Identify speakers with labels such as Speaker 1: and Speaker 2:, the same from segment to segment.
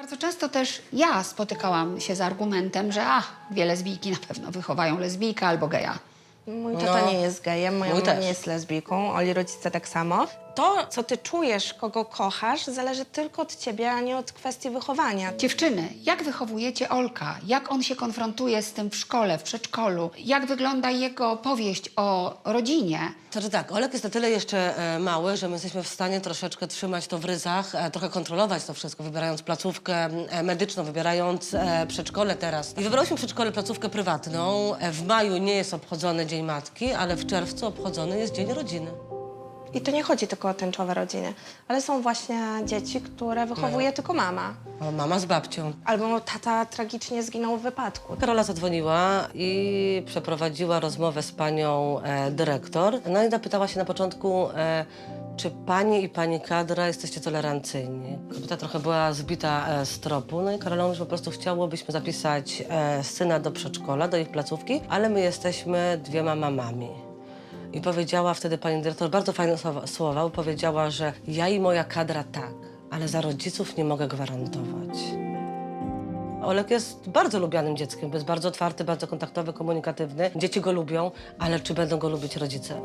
Speaker 1: Bardzo często też ja spotykałam się z argumentem, że dwie lesbijki na pewno wychowają lesbijkę albo geja.
Speaker 2: Mój tata nie jest gejem, moja
Speaker 3: Mój
Speaker 2: mama
Speaker 3: też.
Speaker 2: nie jest lesbijką, Oli rodzice tak samo. To, co ty czujesz, kogo kochasz, zależy tylko od ciebie, a nie od kwestii wychowania.
Speaker 1: Dziewczyny, jak wychowujecie Olka? Jak on się konfrontuje z tym w szkole, w przedszkolu? Jak wygląda jego opowieść o rodzinie?
Speaker 3: Znaczy tak, Olek jest na tyle jeszcze mały, że my jesteśmy w stanie troszeczkę trzymać to w ryzach, trochę kontrolować to wszystko, wybierając placówkę medyczną, wybierając przedszkole teraz. I wybrałyśmy przedszkole placówkę prywatną. W maju nie jest obchodzony Dzień Matki, ale w czerwcu obchodzony jest Dzień Rodziny.
Speaker 2: I to nie chodzi tylko o tęczowe rodziny, ale są właśnie dzieci, które wychowuje tylko mama.
Speaker 3: O, mama z babcią.
Speaker 2: Albo tata tragicznie zginął w wypadku.
Speaker 3: Karola zadzwoniła i przeprowadziła rozmowę z panią dyrektor. No i zapytała się na początku, czy pani i pani kadra jesteście tolerancyjni. Kobieta trochę była zbita z tropu, no i Karola mówi, że po prostu chciałobyśmy zapisać syna do przedszkola, do ich placówki, ale my jesteśmy dwiema mamami. I powiedziała wtedy pani dyrektor bardzo fajne słowa, bo powiedziała, że ja i moja kadra tak, ale za rodziców nie mogę gwarantować. Olek jest bardzo lubianym dzieckiem, bo jest bardzo otwarty, bardzo kontaktowy, komunikatywny. Dzieci go lubią, ale czy będą go lubić rodzice?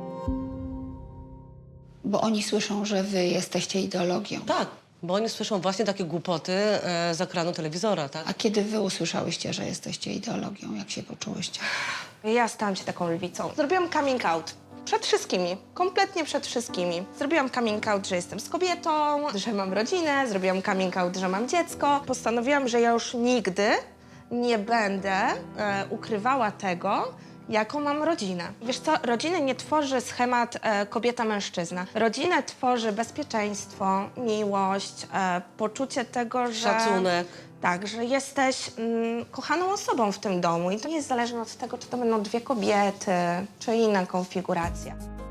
Speaker 1: Bo oni słyszą, że wy jesteście ideologią.
Speaker 3: Tak, bo oni słyszą właśnie takie głupoty z ekranu telewizora, tak?
Speaker 1: A kiedy wy usłyszałyście, że jesteście ideologią, jak się poczułyście?
Speaker 2: Ja stałam się taką lwicą. Zrobiłam coming out. Przed wszystkimi, kompletnie przed wszystkimi. Zrobiłam coming out, że jestem z kobietą, że mam rodzinę, zrobiłam coming out, że mam dziecko. Postanowiłam, że ja już nigdy nie będę ukrywała tego, jaką mam rodzinę. Wiesz co, rodziny nie tworzy schemat kobieta-mężczyzna. Rodzinę tworzy bezpieczeństwo, miłość, poczucie tego, że...
Speaker 3: Szacunek.
Speaker 2: Tak, że jesteś kochaną osobą w tym domu i to nie jest zależne od tego, czy to będą dwie kobiety, czy inna konfiguracja.